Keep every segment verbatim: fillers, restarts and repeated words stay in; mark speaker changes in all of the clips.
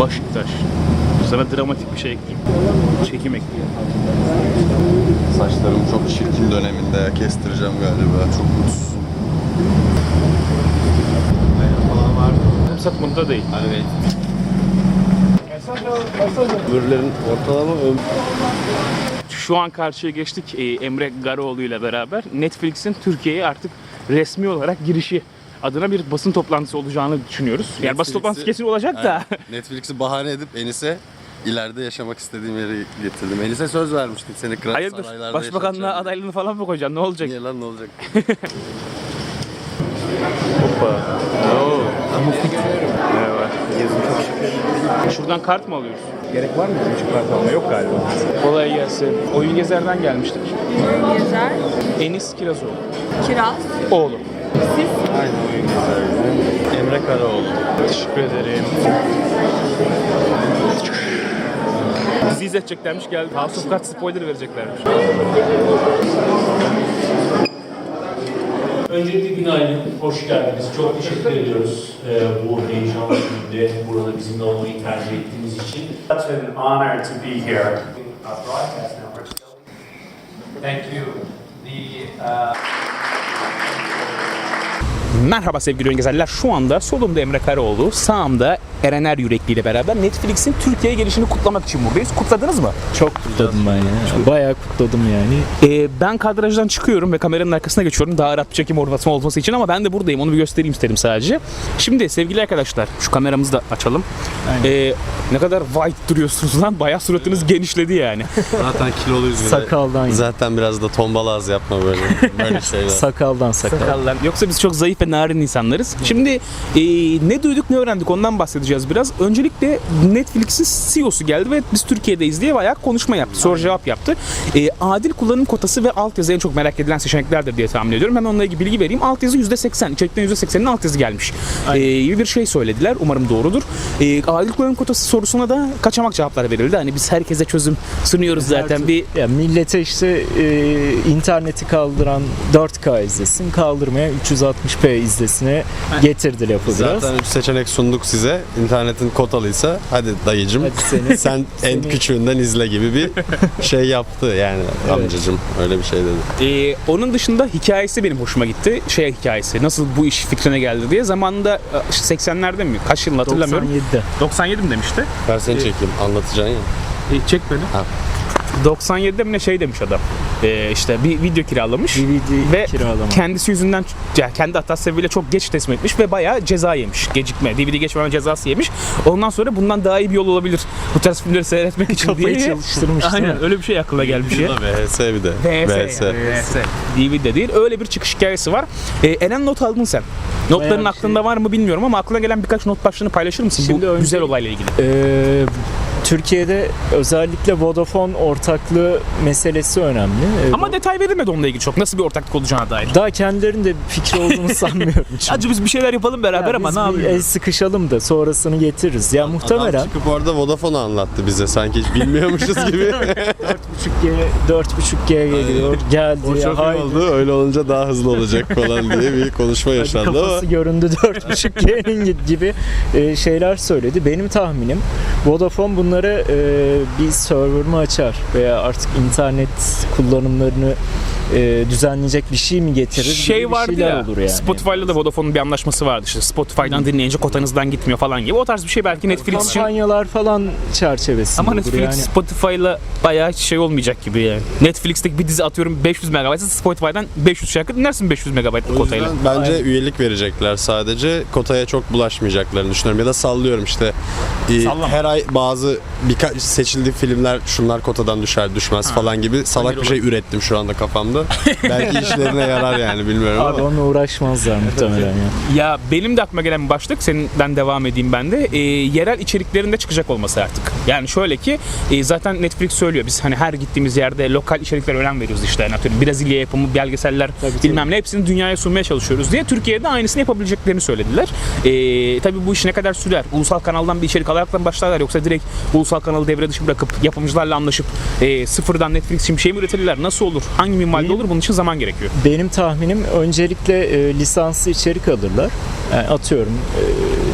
Speaker 1: Başiktaş. Sana dramatik bir şey ekleyeyim. Çekim ekleyeyim.
Speaker 2: Saçlarım çok çirkin döneminde ya. Kestireceğim galiba. Çok mutsuzum. Falan var.
Speaker 1: Kumsat bunda değil.
Speaker 2: Evet. Öbürlerin ortalama ömrü.
Speaker 1: Şu an karşıya geçtik e, Emre Garoğlu ile beraber. Netflix'in Türkiye'ye artık resmi olarak girişi adına bir basın toplantısı olacağını düşünüyoruz. Yani basın
Speaker 2: Netflix'i-
Speaker 1: toplantısı kesin olacak da.
Speaker 2: Aynen. Netflix'i bahane edip Enis'e ileride yaşamak istediğim yeri getirdim. Enis'e söz vermiştik seni kral
Speaker 1: Hayırdır?
Speaker 2: saraylarda
Speaker 1: Başbakanlığa
Speaker 2: yaşatacağım diye.
Speaker 1: adaylığını falan mı koyacaksın? Ne olacak?
Speaker 2: Niye lan ne olacak?
Speaker 1: Hoppa. Oo. Merhaba. Gezim çok şık. Şuradan kart mı alıyoruz?
Speaker 3: Gerek var mı bizim için kart alma? Yok galiba.
Speaker 1: Kolay gelsin. Oyun Gezer'den gelmiştik.
Speaker 4: Oyun Gezer,
Speaker 1: Enis Kirazoğlu.
Speaker 4: Kiraz,
Speaker 1: Oğlu.
Speaker 4: siz
Speaker 2: Aynen oyun güzel. Emre Karaoğlu.
Speaker 1: Teşekkür ederim. Bizi izleteceklermiş, geldi. House of Cards spoiler vereceklermiş.
Speaker 5: Öncelikle günaydın, hoş geldiniz. Çok teşekkür ediyoruz e, bu heyecanlı günde burada bizimle olmayı tercih ettiğiniz için. Such an honor to be here. Our broadcast network. Thank you. The uh...
Speaker 1: Merhaba sevgili oyun gezerler. Şu anda solumda Emre Karaoğlu, sağımda Erener Yürekli ile beraber Netflix'in Türkiye'ye gelişini kutlamak için buradayız. Kutladınız mı?
Speaker 3: Çok kutladım ben ya. Bayağı kutladım yani.
Speaker 1: Ee, ben kadrajdan çıkıyorum ve kameranın arkasına geçiyorum. Daha rahat bir çekim ortamı olması için ama ben de buradayım. Onu bir göstereyim istedim sadece. Şimdi sevgili arkadaşlar, şu kameramızı da açalım. Ee, ne kadar white duruyorsunuz lan. Bayağı suratınız genişledi yani.
Speaker 2: Zaten kiloluyuz bir de.
Speaker 3: Sakaldan.
Speaker 2: Zaten biraz da tombala az yapma böyle. Böyle şeyler.
Speaker 3: Sakaldan sakal.
Speaker 1: Sakallar. Yoksa biz çok zayıf ve narin insanlarız. Şimdi e, ne duyduk ne öğrendik ondan bahsedeceğiz biraz. Öncelikle Netflix'in C E O'su geldi ve biz Türkiye'deyiz diye bayağı konuşma yaptı. Soru cevap yaptı. E, adil kullanım kotası ve altyazı en çok merak edilen seçeneklerdir diye tahmin ediyorum. Hemen onunla ilgili bilgi vereyim. Altyazı yüzde seksen. İçerikten yüzde sekseninin altyazı gelmiş. E, gibi bir şey söylediler. Umarım doğrudur. E, adil kullanım kotası sorusuna da kaçamak cevaplar verildi. Hani biz herkese çözüm sunuyoruz zaten. Bir
Speaker 3: Ya millete işte e, interneti kaldıran dört K izlesin, kaldırmayan üç yüz altmış p izlesine getirdi lafı biraz.
Speaker 2: Zaten üç seçenek sunduk size. İnternetin kotalıysa hadi dayıcım
Speaker 3: Hadi seni-
Speaker 2: sen en
Speaker 3: seni-
Speaker 2: küçüğünden izle gibi bir şey yaptı yani amcacım öyle bir şey dedi.
Speaker 1: Ee, onun dışında hikayesi benim hoşuma gitti. Şey hikayesi, nasıl bu iş fikrine geldi diye. Zamanında işte seksenlerde mi? Kaç yılını hatırlamıyorum.
Speaker 3: doksan yedide.
Speaker 1: doksan yedi mi demişti?
Speaker 2: Ben seni çekeyim anlatacaksın ya.
Speaker 1: E, çek beni.
Speaker 2: Ha.
Speaker 1: doksan yedide mi ne şey demiş adam. Ee, işte bir video kiralamış.
Speaker 3: D V D
Speaker 1: Ve
Speaker 3: kiralama.
Speaker 1: kendisi yüzünden, yani kendi hatası sebebiyle çok geç teslim etmiş ve bayağı ceza yemiş. Gecikme, D V D geçmeme cezası yemiş. Ondan sonra bundan daha iyi bir yol olabilir bu tarz filmleri seyretmek için
Speaker 3: Kafayı
Speaker 1: diye.
Speaker 3: çalıştırmış, değil
Speaker 1: Aynen
Speaker 3: mi?
Speaker 1: öyle bir şey aklına gelmiş ya.
Speaker 2: V H S bir de.
Speaker 1: V H S. Yani, V H S. D V D değil. Öyle bir çıkış hikayesi var. Ee, Eren not aldın sen. Notların
Speaker 3: Bayağı bir
Speaker 1: aklında
Speaker 3: şey-
Speaker 1: var mı bilmiyorum ama aklına gelen birkaç not başlığını paylaşır mısın
Speaker 3: Şimdi
Speaker 1: bu
Speaker 3: önce-
Speaker 1: güzel olayla ilgili?
Speaker 3: Ee, Türkiye'de özellikle Vodafone ortaklığı meselesi önemli. Ee,
Speaker 1: Ama detay verilmedi onunla ilgili çok. Nasıl bir ortaklık olacağına dair.
Speaker 3: daha kendilerinin de bir fikri olduğunu sanmıyorum. Çünkü.
Speaker 1: Acı biz bir şeyler yapalım beraber
Speaker 3: Ya
Speaker 1: ama
Speaker 3: biz
Speaker 1: ne
Speaker 3: bir
Speaker 1: yapıyoruz?
Speaker 3: el sıkışalım da sonrasını getiririz. Ya muhtemelen
Speaker 2: Adam çıkıp orada Vodafone'u anlattı bize sanki hiç bilmiyormuşuz gibi.
Speaker 3: dört buçuk G geliyor. Geldi
Speaker 2: O
Speaker 3: ya.
Speaker 2: çok iyi
Speaker 3: haydi.
Speaker 2: oldu öyle olunca daha hızlı olacak falan diye bir konuşma yaşandı ama.
Speaker 3: Kafası göründü dört buçuk G'nin gibi e, şeyler söyledi. Benim tahminim Vodafone bunları e, bir server mı açar veya artık internet kullanımlarını e, düzenleyecek bir şey mi getirir? gibi
Speaker 1: Şey
Speaker 3: bir
Speaker 1: vardı
Speaker 3: şeyler
Speaker 1: ya,
Speaker 3: olur yani.
Speaker 1: Spotify'la da Vodafone'un bir anlaşması vardı işte. Spotify'dan dinleyince kotanızdan gitmiyor falan gibi. O tarz bir şey belki Netflix için.
Speaker 3: Kampanyalar falan çerçevesinde
Speaker 1: Ama
Speaker 3: olur
Speaker 1: Netflix
Speaker 3: yani.
Speaker 1: Spotify'la bayağı hiç şey olmayacak gibi yani. Netflix'teki bir dizi atıyorum beş yüz megabaytsa Spotify'dan beş yüz şarkı dinlersin beş yüz megabaytlık
Speaker 2: O
Speaker 1: kotayla.
Speaker 2: yüzden bence üyelik verecekler sadece. Kotaya çok bulaşmayacaklarını düşünüyorum. Ya da sallıyorum işte. e,
Speaker 1: Sallama.
Speaker 2: her ay bazı birkaç seçildiği filmler şunlar kotadan düşer düşmez falan gibi salak bir şey ürettim şu anda kafamda. Belki işlerine yarar yani bilmiyorum
Speaker 3: Abi
Speaker 2: ama.
Speaker 3: onunla uğraşmazlar muhtemelen ya.
Speaker 1: Ya benim de aklıma gelen bir başlık, senden devam edeyim ben de. E, yerel içeriklerinde çıkacak olması artık. Yani şöyle ki e, zaten Netflix söylüyor. Biz hani her gittiğimiz yerde lokal içeriklere önem veriyoruz işte. Yani atıyorum Brezilya yapımı belgeseller
Speaker 3: Tabii,
Speaker 1: bilmem ne hepsini dünyaya sunmaya çalışıyoruz diye. Türkiye'de aynısını yapabileceklerini söylediler. E, tabii bu iş ne kadar sürer? Ulusal kanaldan bir içerik alarak mı başlarlar yoksa direkt ulusal kanalı devre dışı bırakıp yapımcılarla anlaşıp e, sıfırdan Netflix için bir şey mi üretirler? Nasıl olur? Hangi minvalde
Speaker 3: Benim-
Speaker 1: olur? Bunun için zaman gerekiyor.
Speaker 3: Benim tahminim öncelikle e, lisanslı içerik alırlar. Yani atıyorum e,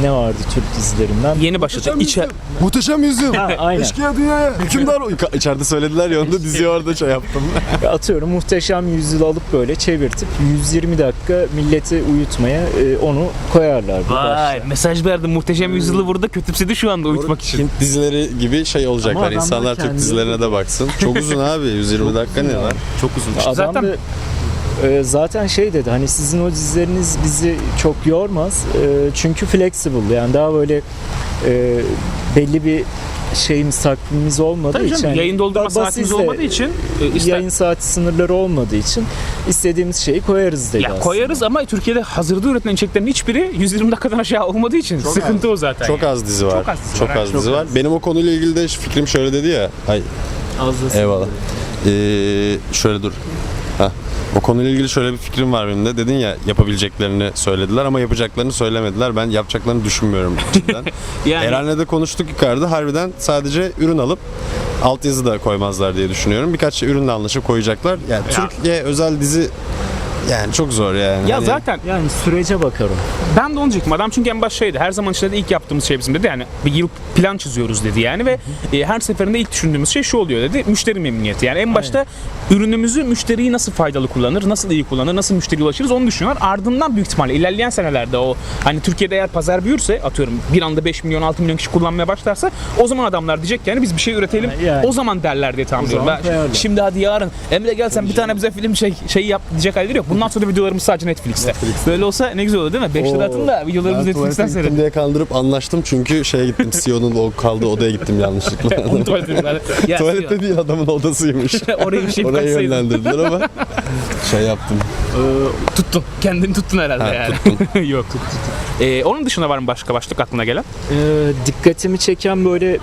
Speaker 3: ne vardı Türk dizilerinden?
Speaker 1: Yeni başladı. İçer
Speaker 2: Muhteşem Yüzyıl.
Speaker 3: Ha, aynen.
Speaker 2: Eşkıya dünyaya. Hükümdar. Ka- İçeride söylediler ya onu da diziyi orada şey yaptım.
Speaker 3: Atıyorum Muhteşem Yüzyıl'ı alıp böyle çevirtip yüz yirmi dakika milleti uyutmaya e, onu koyarlardı.
Speaker 1: Vay mesaj verdi. Muhteşem Yüzyıl'ı burada kötüpsedi şu anda uyutmak için.
Speaker 2: Hint dizileri gibi şey olacaklar.
Speaker 3: Ama adamlar
Speaker 2: İnsanlar Türk
Speaker 3: kendi-
Speaker 2: dizilerine de baksın. Çok uzun abi. yüz yirmi dakika ne var? Çok uzun.
Speaker 3: Adam
Speaker 1: Zaten-
Speaker 3: da e, zaten şey dedi hani sizin o dizileriniz bizi çok yormaz E, çünkü flexible yani daha böyle e, belli bir şeyimiz takvimimiz olmadığı
Speaker 1: Tabii
Speaker 3: için
Speaker 1: canım,
Speaker 3: hani
Speaker 1: yayın doldurma
Speaker 3: ba-
Speaker 1: saatimiz
Speaker 3: basizle,
Speaker 1: olmadığı için e, ister-
Speaker 3: yayın saati sınırları olmadığı için istediğimiz şeyi koyarız dedi
Speaker 1: ya
Speaker 3: aslında.
Speaker 1: koyarız ama Türkiye'de hazırda üretilen içeriklerin hiçbiri yüz yirmi dakikadan aşağı olmadığı için sıkıntı o zaten.
Speaker 2: Çok
Speaker 1: yani.
Speaker 2: az dizi var.
Speaker 1: Çok az dizi
Speaker 2: Çok
Speaker 1: var,
Speaker 2: az
Speaker 1: evet.
Speaker 2: dizi var. Benim o konuyla ilgili de fikrim şöyle dedi ya. Ay
Speaker 3: Az da
Speaker 2: eyvallah. Ee, şöyle dur. Heh. O konuyla ilgili şöyle bir fikrim var benim de. Dedin ya yapabileceklerini söylediler ama yapacaklarını söylemediler. Ben yapacaklarını düşünmüyorum cidden.
Speaker 1: Yani
Speaker 2: Eren'le de konuştuk yukarıda. Harbiden sadece ürün alıp altyazı da koymazlar diye düşünüyorum. Birkaç şey ürünle anlaşıp koyacaklar. Yani
Speaker 1: Ya.
Speaker 2: Türkiye özel dizi yani çok zor yani.
Speaker 1: ya
Speaker 2: Hani
Speaker 1: zaten
Speaker 3: yani sürece bakarım.
Speaker 1: ben de onu diyecektim. Adam çünkü en baş şeydi. Her zaman işte de ilk yaptığımız şey bizim dedi. Yani bir yıl plan çiziyoruz dedi yani ve e, her seferinde ilk düşündüğümüz şey şu oluyor dedi. Müşteri memnuniyeti. Yani en başta ürünümüzü müşteriyi nasıl faydalı kullanır, nasıl iyi kullanır, nasıl müşteriye ulaşırız onu düşünüyorlar. Ardından büyük ihtimalle ilerleyen senelerde o hani Türkiye'de eğer pazar büyürse atıyorum bir anda beş milyon altı milyon kişi kullanmaya başlarsa o zaman adamlar diyecek yani biz bir şey üretelim.
Speaker 3: Yani.
Speaker 1: O zaman derler diye tahmin
Speaker 3: O
Speaker 1: ediyorum.
Speaker 3: zaman
Speaker 1: Ben-
Speaker 3: koyarlar.
Speaker 1: Şimdi hadi yarın Emre gel sen bir tane bize film şey şeyi yap diyecek halleri yok. Bundan sonra videolarımız sadece Netflix'te. Böyle olsa ne güzel olur değil mi? beş lira
Speaker 3: Oo.
Speaker 1: atın da videolarımızı
Speaker 2: ben
Speaker 1: Netflix'ten
Speaker 2: tuvalete
Speaker 1: seyredin.
Speaker 2: gittim diye kandırıp anlaştım çünkü şeye gittim. C E O'nun o kaldığı odaya gittim yanlışlıkla.
Speaker 1: Onu tuvalete zaten. Ya,
Speaker 2: Tuvalette değil adamın odasıymış.
Speaker 1: oraya bir şey
Speaker 2: Oraya
Speaker 1: kaçsaydın.
Speaker 2: yönlendirdiler ama şey yaptım.
Speaker 1: Tuttun. Kendini tuttun herhalde
Speaker 2: Ha,
Speaker 1: yani. Yok. Ee, onun dışında var mı başka başlık aklına gelen?
Speaker 3: Ee, dikkatimi çeken böyle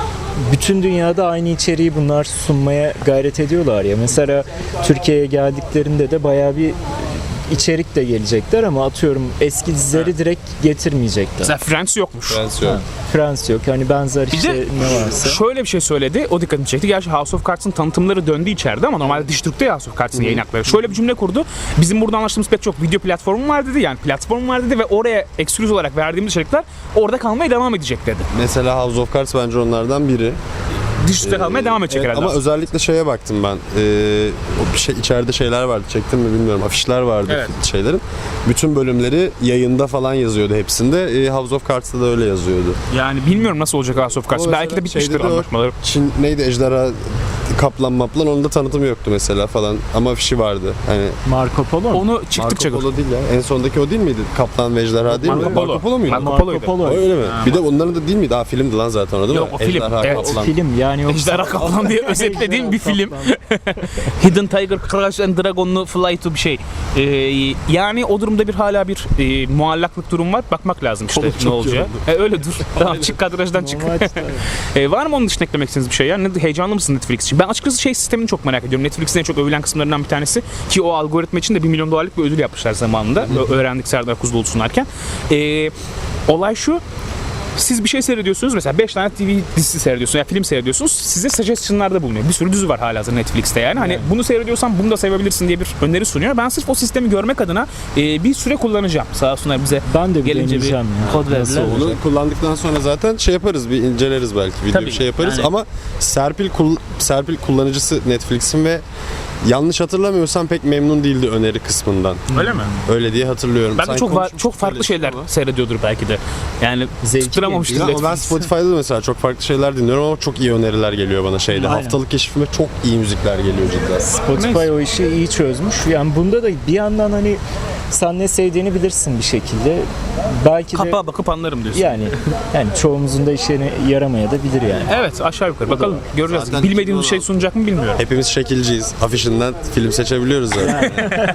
Speaker 3: bütün dünyada aynı içeriği bunlar sunmaya gayret ediyorlar ya. Mesela Türkiye'ye geldiklerinde de bayağı bir içerik de gelecekler ama atıyorum eski dizileri direkt getirmeyecekler.
Speaker 1: Mesela Friends yokmuş.
Speaker 2: Prens yok.
Speaker 3: Frans yok. Hani benzer
Speaker 1: Bir
Speaker 3: işte
Speaker 1: de
Speaker 3: ne varsa.
Speaker 1: şöyle bir şey söyledi. O dikkatimi çekti. Gerçi House of Cards'ın tanıtımları döndü içeride ama normalde Dijitürk'te ya House of Cards'ın yayın hakları. Şöyle bir cümle kurdu. Bizim burada anlaştığımız pek çok video platformu var dedi. Yani platform var dedi ve oraya ekskluziv olarak verdiğimiz içerikler orada kalmaya devam edecek dedi.
Speaker 2: Mesela House of Cards bence onlardan biri.
Speaker 1: Dijitürk'te kalmaya devam edecek
Speaker 2: Evet,
Speaker 1: herhalde.
Speaker 2: ama özellikle şeye baktım ben. Ee, o bir şey içeride şeyler vardı. Çektim mi bilmiyorum. Afişler vardı
Speaker 1: Evet.
Speaker 2: şeylerin. Bütün bölümleri yayında falan yazıyordu hepsinde. Ee, House of Cards'ta da öyle yazıyordu.
Speaker 1: Yani bilmiyorum nasıl olacak House of Cards.
Speaker 2: Ama
Speaker 1: Belki de
Speaker 2: mesela
Speaker 1: bitmiştir
Speaker 2: şeyde de o
Speaker 1: anlaşmaları.
Speaker 2: Çin neydi ejderha kaplan maplan onun da tanıtımı yoktu mesela falan ama afişi vardı. Hani
Speaker 3: Marco Polo mu?
Speaker 1: Onu çıktıkça
Speaker 2: Marco
Speaker 1: gör.
Speaker 2: Polo değil ya. En sondaki o değil miydi? Kaplan ve ejderha değil mi?
Speaker 1: Marco Polo.
Speaker 2: Marco Polo muydu?
Speaker 1: Marco
Speaker 3: Marco
Speaker 1: Polo'ydu.
Speaker 3: Polo.
Speaker 2: O öyle mi? Bir de onların da değil miydi? Aa filmdi lan zaten o değil
Speaker 1: Yok,
Speaker 2: mi?
Speaker 1: o film.
Speaker 2: Ejderha
Speaker 1: Evet.
Speaker 2: kaplan.
Speaker 3: Film yani yoksa
Speaker 1: Ejderha Kaplan diye özetlediğim bir
Speaker 3: Ejderha
Speaker 1: film.
Speaker 3: Kaplan.
Speaker 1: Hidden Tiger Crouch and Dragon'lu Fly to bir şey. Ee, yani o durumda bir hala bir e, muallaklık durum var. Bakmak lazım işte
Speaker 2: Oğlum,
Speaker 1: ne
Speaker 2: çok
Speaker 1: olacağı. E, öyle dur. Tamam çık kadrajdan çık.
Speaker 3: Normal işte.
Speaker 1: E, var mı onun dışında eklemek istediğiniz bir şey? Yani heyecanlı mısın Netflix için? Ben açıkçası şey sistemini çok merak ediyorum. Netflix'in en çok övülen kısımlarından bir tanesi ki o algoritma için de bir milyon dolarlık bir ödül yapmışlar zamanında. Ö- Öğrendik Serdar Kuzuloğlu sunarken. E, olay şu. Siz bir şey seyrediyorsunuz mesela beş tane T V dizisi seyrediyorsunuz ya film seyrediyorsunuz size suggestion'larda bulunuyor. Bir sürü dizi var halihazırda Netflix'te yani. Hani bunu seyrediyorsan bunu da sevebilirsin diye bir öneri sunuyor. Ben sırf o sistemi görmek adına e, bir süre kullanacağım. Sağ olsunlar bize
Speaker 3: Ben de bir
Speaker 1: gelince bir
Speaker 3: deneyeceğim ya.
Speaker 1: kod verdiler.
Speaker 3: Nasıl
Speaker 2: Onu kullandıktan sonra zaten şey yaparız, bir inceleriz belki, video
Speaker 1: Tabii,
Speaker 2: bir şey yaparız
Speaker 1: yani-
Speaker 2: ama Serpil kul- Serpil kullanıcısı Netflix'in ve yanlış hatırlamıyorsam pek memnun değildi öneri kısmından.
Speaker 1: Öyle mi?
Speaker 2: Öyle diye hatırlıyorum.
Speaker 1: Ben de
Speaker 2: Sanki
Speaker 1: çok var,
Speaker 2: konuşmuştuk
Speaker 1: çok farklı
Speaker 2: öyle
Speaker 1: şeyler
Speaker 2: ama.
Speaker 1: seyrediyordur belki de. Yani
Speaker 3: Zevkli
Speaker 1: tutturamamıştır
Speaker 2: Ya, ama ben
Speaker 1: Netflix.
Speaker 2: Spotify'da da mesela çok farklı şeyler dinliyorum ama çok iyi öneriler geliyor bana şeyde.
Speaker 3: Aynen.
Speaker 2: Haftalık keşfime çok iyi müzikler geliyor cidden.
Speaker 3: Spotify
Speaker 1: Neyse.
Speaker 3: o işi iyi çözmüş. Yani bunda da bir yandan hani sen ne sevdiğini bilirsin bir şekilde. Belki de
Speaker 1: Kapağa bakıp anlarım diyorsun.
Speaker 3: yani yani çoğumuzun da işine yaramaya da bilir yani.
Speaker 1: Evet aşağı yukarı bakalım göreceğiz.
Speaker 2: Zaten
Speaker 1: Bilmediğimiz bir şey sunacak mı bilmiyorum.
Speaker 2: Hepimiz şekilciyiz. Afişinden film seçebiliyoruz zaten.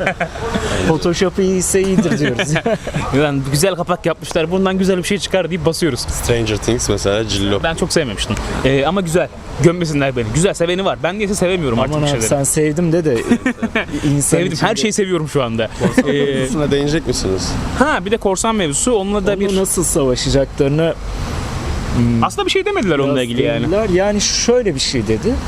Speaker 3: Photoshop iyiyse iyidir diyoruz.
Speaker 1: Yani güzel kapak yapmışlar bundan güzel bir şey çıkar deyip basıyoruz.
Speaker 2: Stranger Things mesela Cillo.
Speaker 1: Ben çok sevmemiştim. Ee, ama güzel. Gömmesinler beni. Güzel seveni var. Ben niyeyse sevemiyorum artık
Speaker 3: Aman
Speaker 1: bir
Speaker 3: abi
Speaker 1: şeyleri.
Speaker 3: sen sevdim de de insan
Speaker 1: Sevdim. Her
Speaker 3: içinde-
Speaker 1: şeyi seviyorum şu anda. Ee,
Speaker 2: Üstüne değinecek misiniz?
Speaker 1: ha bir de korsan mevzusu. Onunla da
Speaker 3: Onunla
Speaker 1: bir...
Speaker 3: nasıl savaşacaklarını
Speaker 1: Aslında bir şey demediler onunla ilgili yani.
Speaker 3: dediler. Yani şöyle bir şey dedi.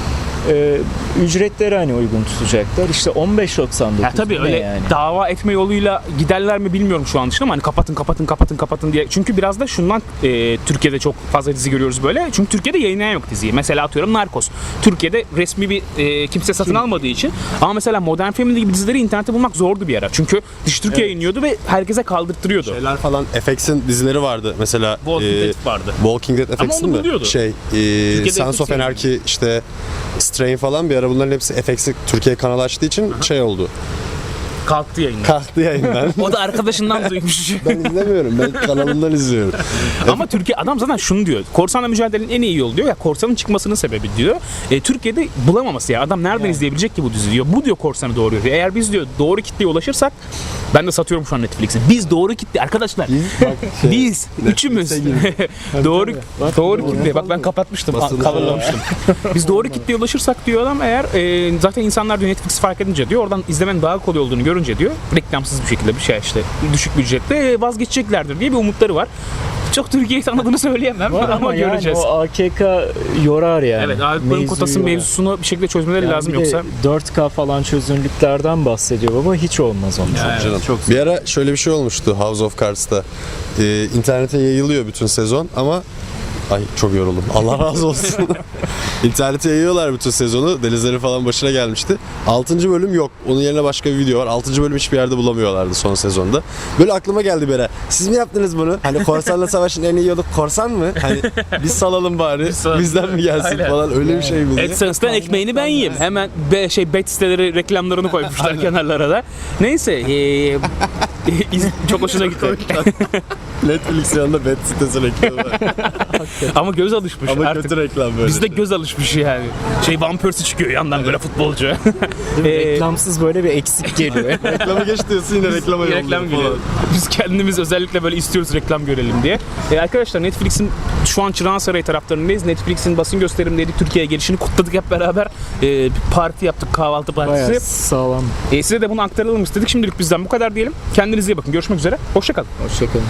Speaker 3: e, ücretleri hani uygun tutacaklar. İşte on beş doksan dokuz.
Speaker 1: Ya tabii
Speaker 3: ne
Speaker 1: öyle
Speaker 3: yani?
Speaker 1: dava etme yoluyla giderler mi bilmiyorum şu an için ama hani kapatın kapatın kapatın kapatın diye. Çünkü biraz da şundan e, Türkiye'de çok fazla dizi görüyoruz böyle. Çünkü Türkiye'de yayınlayan yok diziyi. Mesela atıyorum Narcos. Türkiye'de resmi bir e, kimse satın almadığı için. Ama mesela Modern Family gibi dizileri internette bulmak zordu bir ara. Çünkü dış Türkiye yayınlıyordu ve herkese kaldırttırıyordu.
Speaker 2: Şeyler falan F X'in dizileri vardı. Mesela
Speaker 1: Walking
Speaker 2: e,
Speaker 1: Dead vardı.
Speaker 2: Walking Dead F
Speaker 1: Ama
Speaker 2: X'in
Speaker 1: onu
Speaker 2: mi?
Speaker 1: buluyordu.
Speaker 2: Şey, e, Sons of Anarchy, işte Strain falan bir ara bunların hepsi F X'i Türkiye kanalı açtığı için şey oldu.
Speaker 1: Kalktı yayından.
Speaker 2: Kalktı yayından.
Speaker 1: O da arkadaşından duymuş.
Speaker 2: Ben izlemiyorum. Ben kanalından izliyorum.
Speaker 1: Ama Türkiye adam zaten şunu diyor. Korsanla mücadelenin en iyi yolu diyor ya korsanın çıkmasının sebebi diyor. E, Türkiye'de bulamaması ya. Adam nereden izleyebilecek ki bu dizi diyor. Bu diyor korsanı doğuruyor. Eğer biz diyor doğru kitleye ulaşırsak ben de satıyorum şu an Netflix'i. Biz doğru kitle arkadaşlar.
Speaker 2: Şey,
Speaker 1: Biz üçümüz doğru doğru kitle. Bak ben kapatmıştım.
Speaker 2: Basılı
Speaker 1: Coverlamıştım. Biz doğru kitleye ulaşırsak diyor adam eğer e, zaten insanlar diyor Netflix fark edince diyor oradan izlemenin daha kolay olduğunu görünce diyor reklamsız bir şekilde bir şey işte düşük bir ücretle vazgeçeceklerdir diye bir umutları var. Çok Türkiye'yi tanıdığını söyleyemem
Speaker 3: Var
Speaker 1: ama,
Speaker 3: ama yani
Speaker 1: göreceğiz.
Speaker 3: o A K K yorar yani.
Speaker 1: Evet, Avrupa'nın
Speaker 3: Mevzuyu
Speaker 1: kotası
Speaker 3: yorar.
Speaker 1: mevzusunu bir şekilde çözmeleri
Speaker 3: Yani
Speaker 1: lazım
Speaker 3: bir de
Speaker 1: yoksa.
Speaker 3: dört K falan çözünürlüklerden bahsediyor baba hiç olmaz onlar.
Speaker 2: Canım. Bir ara şöyle bir şey olmuştu House of Cards'ta. Ee, internete yayılıyor bütün sezon ama ay çok yoruldum. Allah razı olsun. İnternete yayıyorlar bütün sezonu. Denizlerin falan başına gelmişti. altıncı bölüm yok. Onun yerine başka bir video var. altıncı bölüm hiçbir yerde bulamıyorlardı son sezonda. Böyle aklıma geldi bir ara. Siz mi yaptınız bunu? Hani korsanla savaşın en iyi yolu korsan mı? Hani biz salalım bari.
Speaker 1: salalım.
Speaker 2: Bizden mi gelsin
Speaker 1: Aynen.
Speaker 2: falan. Öyle bir şey mi? diye.
Speaker 1: AdSense'den ekmeğini ben yiyeyim. Hemen be, şey bet siteleri reklamlarını koymuşlar kenarlara da. Neyse. ee, iz- çok hoşuna gitti.
Speaker 2: Netflix yanında bet sitesi reklamı var.
Speaker 1: Ama göz alışmış
Speaker 2: Ama
Speaker 1: artık.
Speaker 2: kötü reklam böyle.
Speaker 1: Bizde göz alışmış yani. Şey Van Persie çıkıyor yandan böyle futbolcu.
Speaker 3: Değil mi?
Speaker 1: Ee,
Speaker 3: Reklamsız böyle bir eksik geliyor.
Speaker 2: Reklamı geç diyorsun yine reklama yolluyor
Speaker 1: reklam
Speaker 2: falan.
Speaker 1: geliyor. Biz kendimiz özellikle böyle istiyoruz reklam görelim diye. Ee, arkadaşlar Netflix'in şu an Çırağan Sarayı taraflarındayız. Netflix'in basın gösterimleri Türkiye'ye gelişini kutladık hep beraber. Ee, bir parti yaptık, kahvaltı
Speaker 3: Bayağı
Speaker 1: partisi.
Speaker 3: sağlam.
Speaker 1: Ee, size de bunu aktaralım istedik. Şimdilik bizden bu kadar diyelim. Kendinize iyi bakın. Görüşmek üzere. Hoşça kalın.
Speaker 3: Hoşçakalın.